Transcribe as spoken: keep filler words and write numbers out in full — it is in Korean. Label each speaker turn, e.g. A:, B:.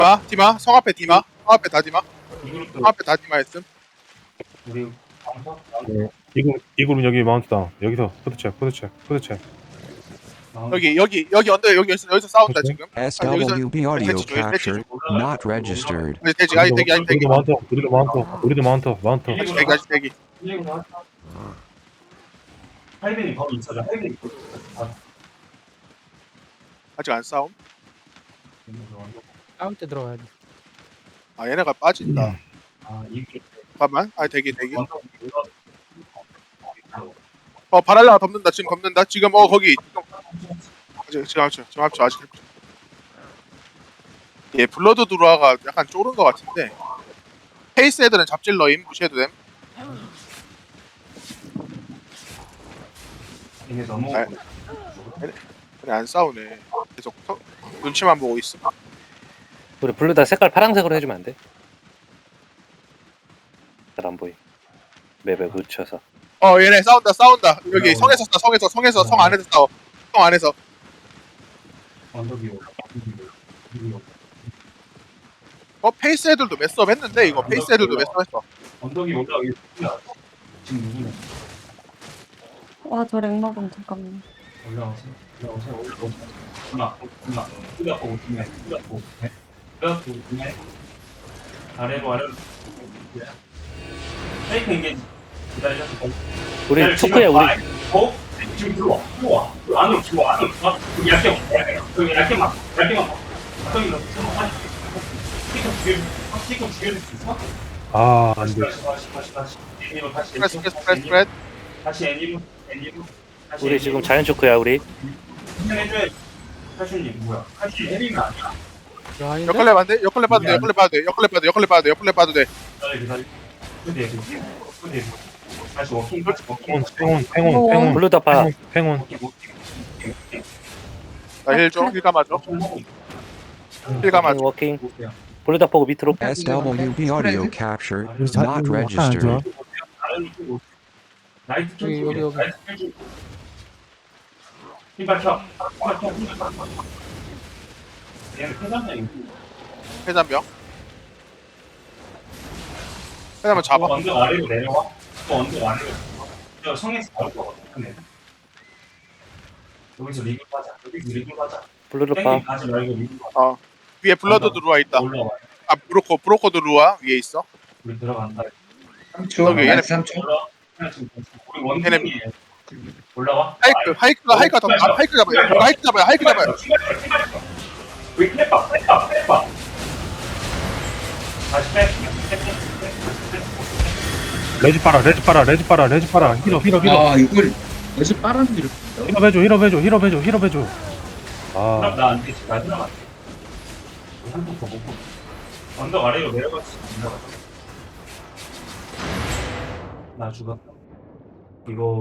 A: 디마, 디마, 성 앞에 디마, 성 앞에 다 디마,
B: 이그룹도
A: 성 앞에 다 디마 했음.
B: 우리 방석
C: 네. 이글 이글은 여기 마운트다. 여기서 푸드체 푸드체 푸드체.
A: 여기 여기 여기 언더 여기 여기서, 여기서 싸운다
C: 오케이.
A: 지금.
D: S W B audio
A: 대치 중, 대치 중.
D: captured, not registered.
A: 아니 대지, 아니 대기, 아니 대기,
C: 우리도 마운트 우리도 마운트 우리도 마운트 마운트.
A: 아직 대기, 아직 대기.
B: 할빈이 거기 있어줘. 할빈이 거기 있어줘.
A: 아직 안 싸움.
E: 싸울 때 들어가야 돼.
A: 아 얘네가 빠진다.
B: 아 이그룹
A: 잠깐만, 아니 대기, 대기.
B: 원석
A: 어 바랄라가 덮는다, 지금 덮는다. 지금 어 거기. 지금 지금 합쳐, 지금 합쳐 아직. 합쳐. 얘 블러드 드루아가 약간 쫄은 것 같은데. 페이스 애들은 잡질러임 무시해도 됨.
B: 이게 너무
A: 아, 그래 안 싸우네. 계속 서, 눈치만 보고 있어.
F: 우리 블루 다 색깔 파란색으로 해주면 안 돼? 잘 안 보이. 맵에 묻혀서.
A: 어 얘네 싸운다, 싸운다. 여기
B: 어.
A: 성에서 싸, 성에서, 성에서, 성 안에서 싸워. 성 안에서.
B: 언덕이 올라.
A: 어 페이스 애들도 매스업 했는데 이거 페이스 애들도 매스업 했어.
B: 언덕이 올라가기 지금 누구냐?
G: 와, 저 랭먹음 잠깐만.
B: 올라오세요. 올라오세요. 올라오세요. 올라, 올라. 올라오고 오시네. 올라오고 오시네. 올라오고 오시네. 아래로 아래로. 페이크 이게 기다려서.
F: 우리 초크야 우리.
B: 어? 지금 들어와. 들어와. 안으로 들어와. 안으로 들어와. 여기 얇게 막. 여기 얇게 막. 얇게 막. 저기 너 들어와. 피크 죽여. 피크 죽여줄 수 있어?
C: 아 안돼.
B: 다시 다시 다시 다시. 애니로 다시.
A: 스프레드, 스프레드, 스프레드, 스프레드.
B: 다시 애니로. 애니로. 다시
F: 우리 지금 자연 초크야 우리.
B: 해줘야 카슈님 뭐야? 카슈 혜림이 아니야?
E: 야, 아닌데?
A: 역할래 봐도 돼? 역할래 봐도 돼? 역할래 봐도 돼? 역할래 봐도 돼? 역할래 봐도 돼? 역할래 봐도 돼?
B: 기다려 기다려. 근데 근데 다시 워킹 다시 워킹.
C: 팽온 팽온 팽온 팽온
F: 블루 덮아.
C: 팽온.
B: 워킹 워킹.
A: 나 힐 줘? 힐 감아줘? 힐 감아줘?
F: 워킹. 블루 덮고 밑으로.
D: S W B audio captured, not registered.
B: 나이트 쪽
E: 여기, 여기, 여기.
B: 나이트 쪽. 힘 밝혀. 힘 밝혀. 힘 밝혀. 얘는 회장님.
A: 회전병? 회전병 잡아.
B: 언덕 아래로 내려와. 또 언덕 아래로. 저 성에서 나올 것 같아. 여기서 리그 가자. 여기서 리그 가자.
F: 블루 덮아.
B: 땡기 가지 말고 리그 가자.
A: 어 위에 블러드 들어와 있다.
B: 올라와.
A: 아 브로커 브로커 들어와 위에 있어.
B: 우리 들어간다.
A: 여기 얘네
B: 올라. 우리 원팀이 올라와.
A: 하이크 하이크가 하이크가 더 아, 하이크 잡아요. 이거 하이크 잡아요. 하이크 잡아요.
B: 우리 클랩바 클랩바 클랩바. 다시 빼.
C: 레지 빨아 레지 빨아 레지 빨아 레지 빨아. 힐업 힐업 힐업.
H: 아 이걸 어제 빨았는데 이렇게
C: 힐업 해줘 힐업 해줘 힐업 해줘 힐업 해줘.
B: 그럼
C: 아
B: 나안 되지. 나 들어갈게. 한번 더 먹고. 언덕 아래로 내려갈 수 있나? 나 죽었다. 이거